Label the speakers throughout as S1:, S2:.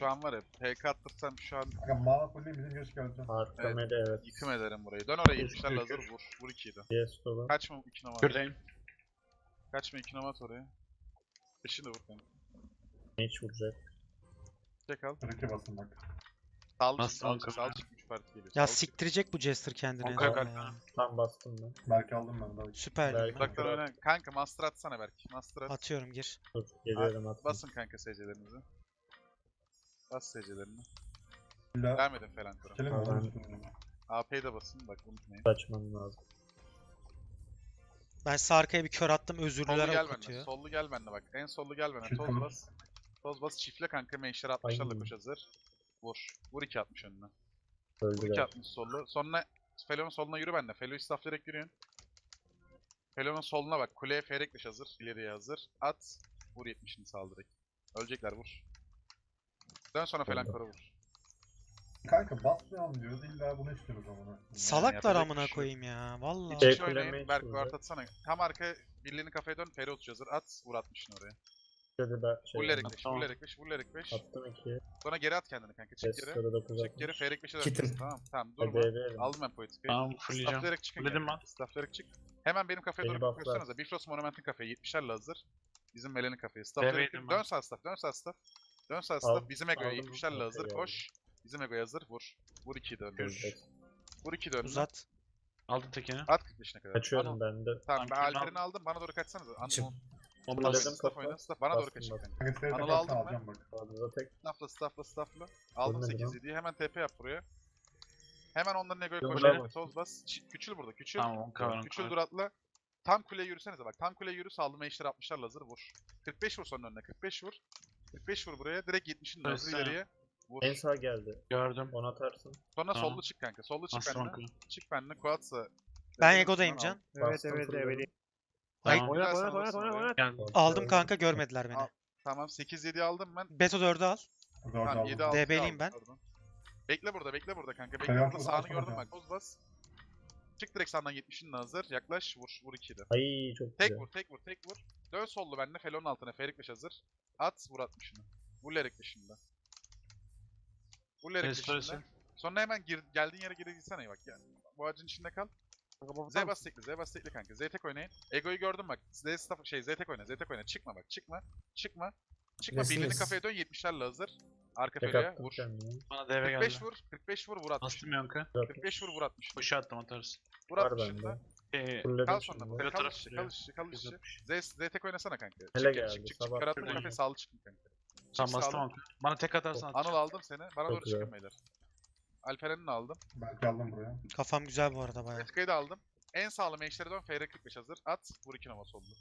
S1: Şu an var ya PK attırsam şu an
S2: Kanka mana fulleyim bizim göz geleceğim.
S3: Arkamede evet.
S1: yıkım ederim burayı. Dön oraya
S3: Üç,
S1: 70'lerle hazır
S3: üç.
S1: vur. Vur 2'yi de.
S3: Yes dolu.
S1: Kaçma 2 numara.
S3: Şuradayım.
S1: Kaçma 2 numara at oraya. Peşini de vur kanka.
S3: Hiç vuracak.
S1: Çek al.
S2: Reke basın bak.
S1: Sal çık
S3: Nasıl
S1: sal çık
S3: kanka?
S1: sal çık 3 parti geliyor.
S4: Ya
S1: Sal çık.
S4: siktirecek bu Jester kendini.
S3: Onka
S4: zaten
S3: kalp
S4: ya.
S3: Tam bastım ben.
S2: Belki aldım ben daha.
S4: Süper.
S3: Belki.
S1: Uzaktan oyna. Kanka master atsana belki. Master at.
S4: Atıyorum gir.
S3: Dur geliyorum atma.
S1: Basın kanka SC'lerinizi. Bas SC'lerini.
S2: İlla
S1: Devam edin falan kura.
S2: kelim
S3: Tamam.
S2: olur üstüne.
S1: AP'yi de basın bak unutmayın.
S3: Kaçmam lazım.
S4: Ben sağ arkaya bir kör attım.
S1: Sollu
S4: Özürlüler
S1: gel bende.
S4: okutuyor.
S1: Sollu gel bende bak. En sollu gel bende.
S2: Çift
S1: Toz
S2: olur.
S1: bas. Toz bas çiftle kanka. Menşer 60'larla
S3: Ay.
S1: koş hazır. Vur. Vur 2 60 önüne. Vur 2
S3: Öldüler.
S1: 60 sollu. Sonra Felon'un soluna yürü bende. Felo'yu stafflayarak yürüyün. Felon'un soluna bak. Kuleye Ferekleş hazır. İleriye hazır. At. Vur 70'ini sal direkt. Ölecekler vur. Dön sonra falan
S3: Oldu.
S1: kora vur.
S2: Kanka basmayalım diyoruz illa bunu istiyoruz amına.
S4: Salaklar
S1: yapacak bir
S4: amına
S1: şey
S4: koyayım ya. Vallahi.
S3: Şey-
S1: İç
S3: kuleme
S1: oynayın.
S3: hiç
S1: Berk
S3: vuracak.
S1: Vart atsana. Tam arka birliğini kafaya dön. Feri 30 hazır. At. Vur 60'ını oraya.
S3: Şöyle ben şey.
S1: Vur Erik 5.
S3: Tamam.
S1: Vur Erik 5. Vur Erik 5.
S3: Attım 2.
S1: Sonra geri at kendini kanka. Çık geri.
S3: Yester'da 9
S1: Çık geri. Ferik 5'e
S3: Kitim.
S1: dön. Tamam. Tamam
S3: Hadi
S1: durma.
S3: ederim.
S1: Aldım ben politikayı.
S3: Tamam fulleyeceğim.
S1: Stafflayarak çıkın.
S3: Fulledim
S1: yani. Stafflayarak çık. Hemen benim kafaya
S3: Beni
S1: doğru
S3: bufflar.
S1: koşsanıza. Bifrost Monument'in kafaya 70'lerle hazır. Bizim Melen'in kafaya. Stafflayarak
S3: Deveydim
S1: çık.
S3: ben.
S1: Dön sağ staff. Dön sağ staff. Dön sağ
S3: Al-
S1: staff. Bizim Ego'ya
S3: aldım.
S1: 70'lerle
S3: Okey,
S1: hazır.
S3: geldi.
S1: Koş. Bizim Ego'ya hazır. Vur. Vur 2'yi dön.
S3: Öldü.
S1: Vur 2'yi dön.
S4: Uzat.
S5: Aldım tekini.
S1: At 45'ine kadar.
S3: Kaçıyorum
S1: Anıl.
S3: ben de.
S1: Tamam ben
S5: Tamam,
S1: Alper'ini aldım. Bana doğru kaçsanıza.
S5: Çık.
S1: Anıl.
S3: Fulledim
S1: Staff
S3: kafa.
S1: oyna. Staff. Bana doğru
S3: Bastım,
S1: kaçın
S3: bastım.
S1: kanka.
S2: Kanka seni
S1: Anıl'ı
S2: de
S1: aldım ben.
S2: alacağım bak.
S3: Fazla tek.
S1: Staffla. Aldım
S3: Ölmedi
S1: 8
S3: lan.
S1: diye hemen TP yap buraya. Hemen onların Ego'ya
S3: Yok,
S1: koş.
S3: bravo.
S1: Toz bas. Küçül burada. Küçül.
S5: Tamam 10 kavram.
S1: Küçül dur atla. Tam kuleye yürüsenize bak. Tam kuleye yürü. Sallama eşleri 60'larla hazır. Vur. 45 vur sonra önüne. 45 vur. 45 vur buraya. Direkt 70'in hazır
S5: Neyse.
S1: ileriye. Vur.
S3: En sağ geldi.
S5: Gördüm.
S3: 10 atarsın.
S1: Sonra
S5: Tamam.
S1: sollu çık kanka. Sollu çık
S5: Bastım
S1: benimle.
S5: 10
S1: Çık benimle. Quads'a.
S4: Ben Ego'dayım Can.
S3: Bastım, fulledim.
S4: Ay,
S5: Tamam.
S1: Oynat.
S5: Geldim.
S4: aldım kanka görmediler beni.
S1: Al. Tamam 8-7 aldım ben.
S4: Beto 4'ü al.
S2: Dört
S1: Tamam 7
S2: aldım.
S1: aldım.
S4: DB'liyim ben.
S1: Bekle burada kanka. Bekle
S2: Kaya
S1: burada
S2: atma,
S1: sağını
S2: atma
S1: gördüm
S2: hocam.
S1: bak. Toz bas. Çık direkt sağdan 70'in hazır. Yaklaş. Vur 2'yi de.
S3: Ay çok
S1: Tek
S3: güzel.
S1: vur. Dön sollu benimle. Felon'un altına. Ferik 5 hazır. At. Vur 60'ını. Vur Lerik 5'inde. Vur Lerik 5'inde.
S5: Restoresi.
S1: Sonra hemen geldiğin yere geri gitsene bak ya. Bu ağacın içinde kal. Z bas tekli kanka. Z tek oynayın. Ego'yu gördüm bak. Z tek oyna. Çıkma bak. Çıkma. Birliğini kafaya dön 70'lerle hazır. Arka
S3: Tek
S1: feriye
S3: attım
S1: vur.
S3: kendime.
S5: Bana DV geldi.
S1: 45 vur 60.
S5: Bastım yonka.
S1: 45 vur 60.
S5: Koşu attım atarsın.
S1: Vur
S3: Var
S1: 60'ında.
S3: bende.
S1: Kal
S3: Fulledim
S1: sonra
S3: şimdi.
S1: burada.
S5: Öyle
S1: Kal
S5: taraf
S1: işçi.
S5: sürüyor.
S1: Z tek oynasana kanka.
S3: Hele
S1: Çık,
S3: geldi,
S1: çık.
S3: sabah
S1: Karatlı
S5: şuradayım.
S1: kafe sağlı çıkın kanka.
S5: Tamam
S1: Çık
S5: bastım
S1: sağlı.
S5: onka. Bana tek atarsan at.
S1: Anıl aldım seni. Bana
S3: Çok
S1: doğru çıkın
S3: güzel.
S1: beyler. Alperen'i de aldım.
S2: Belki aldım buraya.
S4: Kafam güzel bu arada baya.
S1: Etkayı da aldım. En sağlam eşleri dön. FR 45 hazır. At. Vur 2 nova soldu.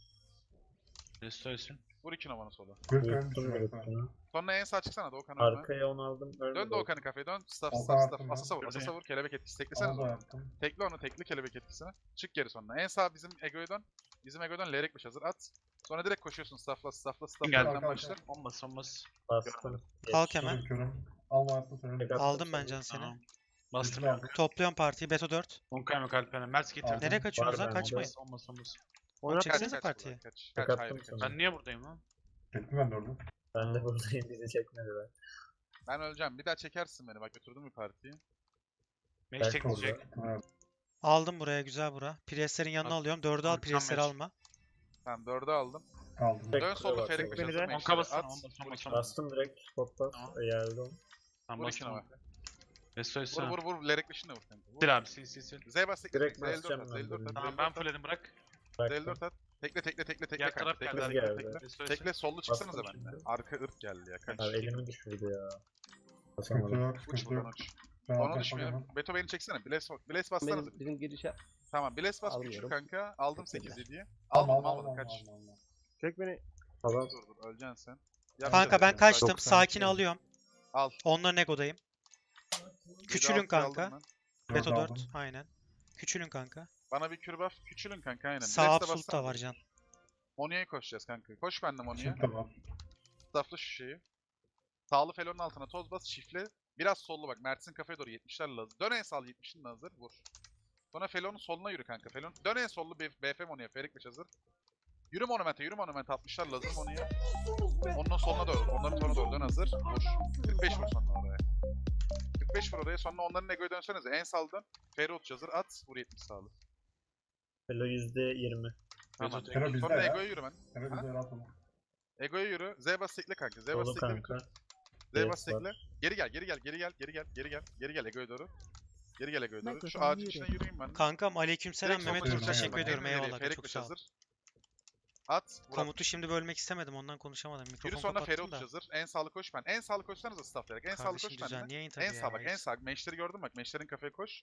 S5: Restoresi.
S1: Vur 2 novanı sola.
S2: Gök
S3: Yuttum
S2: ölmüşüm ben.
S3: yuttum.
S1: Sonra en sağ çıksana Doğukan önüne.
S3: Arkaya 10 aldım.
S1: Dön
S3: Ölmedi.
S1: Doğukan'ı kafeye dön. Staff.
S2: Altan attım ben.
S1: Asasa vur. Kelebek etkisi. Teklesene
S2: Onu da
S1: onu.
S2: yaptım.
S1: Tekle onu. Tekli kelebek etkisini. Çık geri sonra. En sağ bizim Ego'ya dön. Bizim Ego'dan Lerek 5 hazır. At. Sonra direkt koşuyorsun. Staff'la.
S5: Geldi.
S1: Arkadan başla.
S5: Olmaz.
S3: Bastım.
S4: Kalk hemen.
S2: Körüm. Alma yaptım seni.
S3: Tek attım
S4: Aldım ben
S3: sana.
S4: Can seni.
S5: Tamam. Bastım
S2: Güçlü
S5: yonka.
S4: Topluyorum partiyi. Beto 4.
S5: 10 kavram kalpene. Mert getir.
S2: Aldım.
S4: Nereye kaçıyorsunuz
S3: Var
S4: lan?
S3: bende.
S4: Kaçmayın.
S5: Olmaz.
S4: Çeksenize partiyi.
S1: Kaç.
S3: Tek
S1: Hayır.
S3: attım
S1: Kaç.
S3: sana.
S5: Ben niye buradayım lan?
S2: Çektim ben de orada.
S3: Ben de buradayım bizi çekmediler.
S1: Ben öleceğim. Bir daha çekersin beni. Bak götürdüm bir partiyi.
S5: Meş
S3: Belki
S5: tekleyecek.
S3: orada.
S2: Evet.
S4: Aldım buraya güzel bura. Priestlerin yanına
S5: Al.
S4: alıyorum. 4'ü al.
S5: Al,
S4: Priestleri
S5: tam
S4: alma.
S1: Tamam 4'ü aldım.
S2: Aldım.
S3: Tek
S1: Dön
S3: kule
S1: solda
S3: var,
S1: Ferik
S3: tek
S1: 5
S3: kule.
S1: hazır.
S5: 10
S1: Meşleri
S5: kabasın.
S1: at.
S5: 10 basın.
S3: Bastım direkt spotla.
S5: Tamam.
S3: Geldim.
S5: Tamam
S1: Vur 2
S5: bastım.
S1: nova.
S5: Restoresi.
S1: Vur. Lerek 5'ini de vur kanka. Vur.
S5: Sil abi sil.
S1: Z bas tekle.
S3: Direkt
S1: Z54
S3: basacağım
S1: at.
S3: ben
S1: Z54 at.
S5: Tamam ben fulledim bırak.
S3: Bıraktım.
S1: Z54 at. Tekle
S5: Diğer
S1: kanka.
S5: taraf geldi.
S1: Tekle
S3: Hız
S1: tekle
S3: geldi.
S1: tekle.
S5: Restoresi.
S1: Tekle sollu çıksanıza
S3: Bastım
S1: benden.
S3: şimdi.
S1: Arka ırk geldi ya. Kaç.
S3: Abi elimi düşürdü ya.
S2: Sıkıntı
S3: Basamadım.
S2: yok.
S1: Uç
S2: Sıkıntı
S1: buradan
S2: yok.
S1: uç.
S2: Ben
S1: Onu
S2: aldım
S1: düşmüyorum.
S2: falan.
S1: Beto beni çeksene. Bless bassanıza.
S6: Bizim girişe
S1: Tamam Bless bas küçül
S6: Almıyorum.
S1: kanka. Aldım
S6: Teşekkürler.
S1: 8-7'yi.
S2: Alma
S1: Almadım kaç.
S2: alma.
S6: çek beni.
S3: Tamam.
S1: Dur öleceksin sen. Yap
S4: Kanka
S1: şöyle.
S4: ben kaçtım.
S3: 90
S4: Sakin
S3: şey.
S4: alıyorum.
S1: Al.
S4: Onların Ego'dayım. Küçülün
S1: 7-6'yı
S4: kanka.
S1: aldım ben.
S4: Beto
S2: Aldım.
S4: 4. Aynen. Küçülün kanka.
S1: Bana bir kür buff. Küçülün kanka aynen.
S4: Sağ
S1: Bless'e
S4: absolut da
S1: bassana.
S4: var Can.
S1: Monia'ya koşacağız kanka. Koş benimle Monia'ya.
S2: Şimdi tamam.
S1: Staffla şu şeyi. Sağlı felonun altına toz bas çiftle. Biraz sollu bak. Mert'sin kafaya doğru 70'lerle hazır. Dön en sağ 70'in hazır. Vur. Sonra felonun soluna yürü kanka. Felon. Dön en sollu BF Monia. Ferik 5 hazır. Yürü monumente, yürü monumente. 60'lar lazım onu ya. Onun soluna doğru, onların sonuna doğru dön hazır. Vur. 45 vur sonra oraya. 45 vur oraya, sonra onların egoya dönsenize. En sağlı dön. Feri uç hazır, at. Vur 70 sağlı.
S3: Felo %20.
S1: Tamam.
S2: Fero bizde
S1: Sonra
S2: ya.
S1: egoya yürü ben.
S2: Fero bize rahat olun.
S1: Egoya yürü. Z bas tekle kanka. Z bas
S3: Dolu
S1: tekle bir
S3: kanka.
S1: tur. Z bas
S3: Yes, var.
S1: tekle. Geri gel, geri gel, geri gel, geri gel, geri gel. Geri gel egoya doğru. Geri gel egoya doğru. Şu
S6: Mikrofon
S1: ağacın
S6: muted.
S1: içine yürüyeyim ben. de.
S4: Kankam aleykümselam
S1: Direkt
S4: Mehmet
S1: soluna
S4: Uğur
S2: yürü,
S4: teşekkür
S2: aynen.
S4: ediyorum.
S1: Emre
S4: Eyvallah.
S1: nereye?
S4: Çok
S1: Ferik
S4: sağ ol.
S1: hazır. At. Vur
S4: Komutu şimdi bölmek istemedim ondan konuşamadım.
S1: Yürü
S4: Mikrofon
S1: sonra Feri
S4: kapattım da.
S1: hazır. En sağlı koş ben. En sağlı koşsanıza stafflayarak. En sağlı
S4: Kardeşim
S1: koş bende.
S4: düzenli yayın tabii
S1: En
S4: ya.
S1: sağ bak, en
S4: reis.
S1: sağ. Meşleri gördün bak. Meşlerin kafaya koş.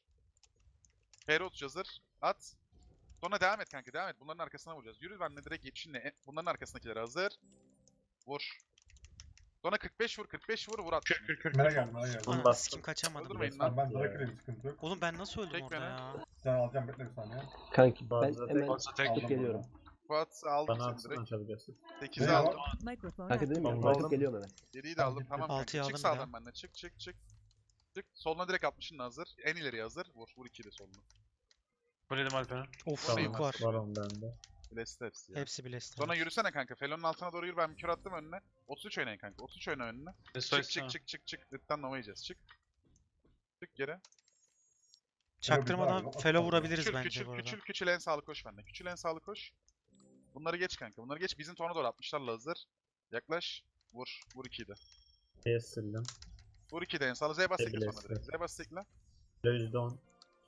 S1: Feri hazır. At. Sonra devam et kanka, devam et. Bunların arkasına vuracağız. Yürü benimle direkt yetişinle. Bunların arkasındakileri hazır. Vur. Sonra 45 vur, 45 vur, vur at.
S2: Mera geldi, mera geldi.
S3: Bunu
S4: Ananı
S3: bastım.
S4: sikim kaçamadım.
S1: Öldürmeyin
S4: ya.
S1: lan.
S2: Tamam ben Drake'le bir sıkıntı yok.
S4: Oğlum ben nasıl öldüm
S1: Çek
S4: orada
S1: beni.
S4: ya?
S2: Can alacağım, bekle bir saniye.
S7: Kanki ben
S3: Bazı
S7: hemen
S5: Fazla tek.
S2: Aldım
S7: geliyorum.
S1: Fuat aldım
S3: Bana
S1: seni
S3: atsın
S1: direkt.
S3: açabiliyorsun.
S1: 8'i
S2: Ne
S1: aldım.
S2: var?
S6: Microphone
S7: kanka dedim ya
S3: Tamam,
S7: bırakıp
S3: aldım.
S7: geliyorum hemen.
S1: 7'yi de
S2: Tamam,
S1: aldım.
S2: gittim.
S1: Tamam
S4: Altıyı
S1: kanka. Çık
S4: aldım bir
S1: sağdan
S4: daha.
S1: benimle. Çık çık çık. Çık. Soluna direkt 60'ın hazır. En ileriye hazır. Vur. Vur 2'yi de soluna.
S5: Fulledim Alperen.
S4: Of
S1: Tamam.
S4: yük var.
S3: Var on bende.
S1: Blast hepsi ya.
S4: Hepsi bile
S1: Sonra yürüsene kanka. Felon'un altına doğru yürü. Ben bir kür attım önüne. 33 oynayın kanka. 33 oyna önüne. Çık
S5: Restoration.
S1: çık çık çık çık. Lütfen Nova yiyeceğiz. Çık. Çık geri.
S4: Çaktırmadan
S2: Yok,
S4: felo
S2: yok.
S4: vurabiliriz
S1: Küçül
S4: bence
S1: küçül
S4: bu arada.
S1: küçül küçül en sağlı koş bende. Küçül en sağlı koş. Bunları geç kanka. Bunları geç. Bizim tona doğru 60'larla hazır. Yaklaş. Vur. Vur 2'yi de.
S3: B'ye sildim.
S1: Vur 2'yi de en sağlı. Z bas tekle sonra
S3: Blast.
S1: direkt. Z bas tekle.
S3: Felo %10.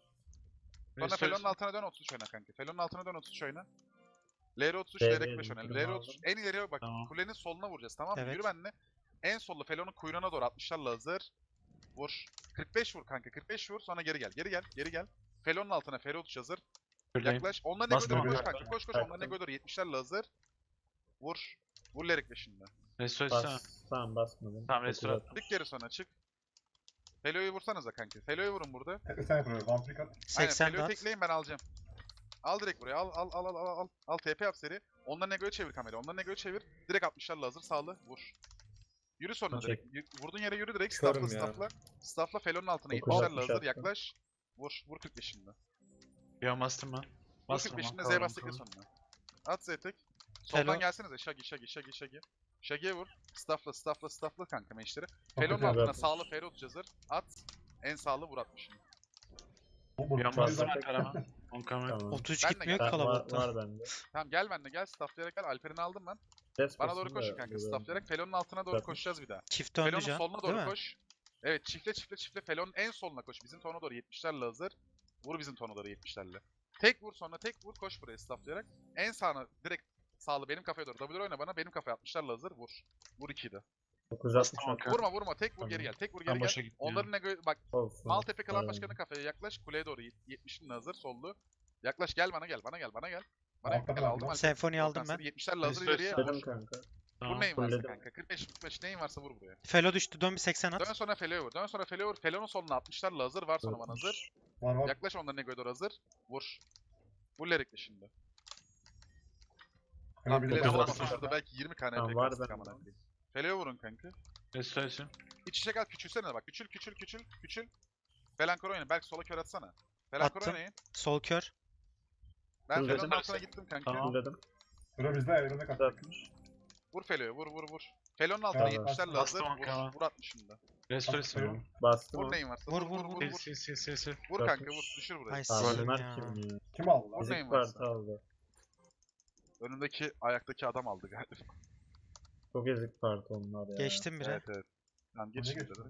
S1: Sonra Felon'un altına dön 33 oyna kanka. Felon'un altına dön 33 oyna. LR 33, LR 45 oyna. LR 33 en ileriye bak.
S5: Tamam.
S1: Kulenin soluna vuracağız tamam mı?
S4: Evet.
S1: Yürü benimle. En sollu Felon'un kuyruğuna doğru 60'larla hazır. Vur. 45 vur kanka. 45 vur sonra geri gel. Geri gel. Geri gel. Felon'un altına Feri 33 hazır.
S5: Fulledim.
S1: Yaklaş. Onların
S5: Bastım
S1: egoya doğru koş
S3: kanka.
S1: kanka. Koş koş.
S3: Baktım.
S1: Onların egoya doğru 70'lerle hazır. Vur. Vur Lerik 5'inde.
S5: Restoration.
S3: Bas. Tamam basmadım.
S5: Tamam,
S3: Dokuz
S5: restore
S3: attım.
S1: Çık geri sonra çık. Felo'yu vursanıza kanka. Felo'yu vurun burada.
S2: Sen yapıyor, vampir at.
S1: Aynen
S4: 80
S1: Felo'yu
S4: dat.
S1: tekleyin ben alacağım. Al direkt buraya. Al TP yap seri. Onların egoya çevir kamerayı. Onların egoya çevir. Direkt 60'larla hazır. Sağlı. Vur. Yürü sonra
S3: Çek.
S1: direkt. Vurduğun yere yürü direkt.
S3: Körüm
S1: Staffla
S3: ya.
S1: staffla. Staffla Felo'nun altına
S3: 960
S1: 70'lerle hazır.
S3: attım.
S1: Yaklaş. Vur. Vur 45'inde.
S5: Yo bastım ben.
S1: Vur
S5: Bastım
S1: 45'inde
S5: ben.
S1: Z bas tekle sonuna. At Z tek. Soldan
S4: Felo.
S1: gelsenize. Shaggy. Shaggy'ye vur. Staffla kanka meşleri.
S2: Çok
S1: Felo'nun
S2: güzel
S1: altına
S3: atmış.
S1: sağlı Fero hazır. At. En sağlı vur 60'ını.
S2: Bu
S5: Yo
S2: bastım.
S5: bastım Alperen. 10 kamera.
S3: Tamam.
S4: 33
S1: Ben de
S4: gitmiyor ki
S1: gel.
S3: Var,
S4: kalabalıktan.
S3: var bende.
S1: Tamam gel benimle gel. Stafflayarak gel. Alper'ini aldım ben.
S3: Ses
S1: Bana doğru
S3: basın
S1: koşun
S3: da
S1: kanka.
S3: böyle.
S1: Stafflayarak Felon'un altına doğru
S3: Zaten.
S1: koşacağız bir daha.
S4: Çift döndü
S1: Felon'un
S4: can.
S1: soluna
S4: Değil
S1: doğru
S4: mi?
S1: koş. Evet çiftle. Felon'un en soluna koş. Bizim tona doğru 70'lerle hazır. Vur bizim tona doğru 70'lerle. Tek vur sonra tek vur koş buraya stafflayarak. En sağına direkt sağlı benim kafaya doğru. W oyna bana. Benim kafaya 60'larla hazır. Vur. Vur 2'yi de.
S3: 960
S5: Bastım
S3: attım.
S1: Vurma. Tek vur
S3: Tamam.
S1: geri gel. Tek vur
S5: Tam
S1: geri
S5: boşa
S1: gel.
S5: gitmiyor.
S1: Onların ne bak
S3: Olsun.
S1: Maltepe Klan
S3: Aynen.
S1: Başkanı kafaya yaklaş. Kuleye doğru 70'in hazır sollu. Yaklaş gel bana gel. Bana gel.
S2: Altta
S1: Gel aldım.
S2: kaldı.
S4: Senfoni aldım ben.
S1: 70'lerle hazır
S5: Restore
S1: ileriye.
S3: Dedim
S1: Vur.
S3: kanka.
S1: Vur
S5: Tamam.
S1: neyin varsa
S3: fulledim.
S1: kanka. 45 neyin varsa vur buraya.
S4: Felo düştü. Dön bir 80 at.
S1: Dön sonra Felo'ya vur. Felo'nun soluna 60'larla hazır. Var sonra bana hazır.
S2: Var.
S1: Yaklaş onların egoya doğru hazır. Vur. Vur Lerik'le şimdi.
S2: Fero
S1: Lan
S2: bir
S1: bile
S2: de
S1: vuramazsın
S2: bastım.
S1: şurada belki 20 tane
S3: Tamam,
S1: efekt
S3: var
S1: bastık
S3: bende.
S1: amına koyayım. Felo'ya vurun kanka.
S5: Restoration.
S1: İç içe kal küçülsene de bak. Küçül. Felankor oynayın. Belki sola kör atsana. Felankor
S4: Attım.
S1: oynayın.
S4: Sol kör.
S1: Ben
S3: Fulledim.
S1: Felo'nun altına gittim kanka.
S5: Tamam.
S3: Fulledim.
S2: Fero bizde ayrılığına kaçtı.
S3: 960.
S1: Vur Felo'ya vur. Felo'nun altına
S2: Evet,
S1: 70'lerle
S5: bastım
S1: hazır.
S5: kanka.
S1: Vur 60'ında.
S5: Restoration.
S2: Fero.
S3: Bastım.
S1: Vur neyin varsa.
S4: Vur,
S1: Vur.
S4: vur.
S5: Sil.
S1: Vur kanka vur. Düşür burayı.
S4: Ay
S3: Abi
S4: Sim
S3: Mert
S4: ya.
S3: kim ya?
S2: Kim aldı lan?
S1: Vur neyin
S3: Fizik
S1: varsa.
S3: parti aldı.
S1: Önündeki ayaktaki adam aldı galiba.
S3: Çok ezik parti onlar ya.
S4: Geçtim bire.
S1: Evet. Tamam geç
S2: Ne
S1: şimdi.
S2: geçti?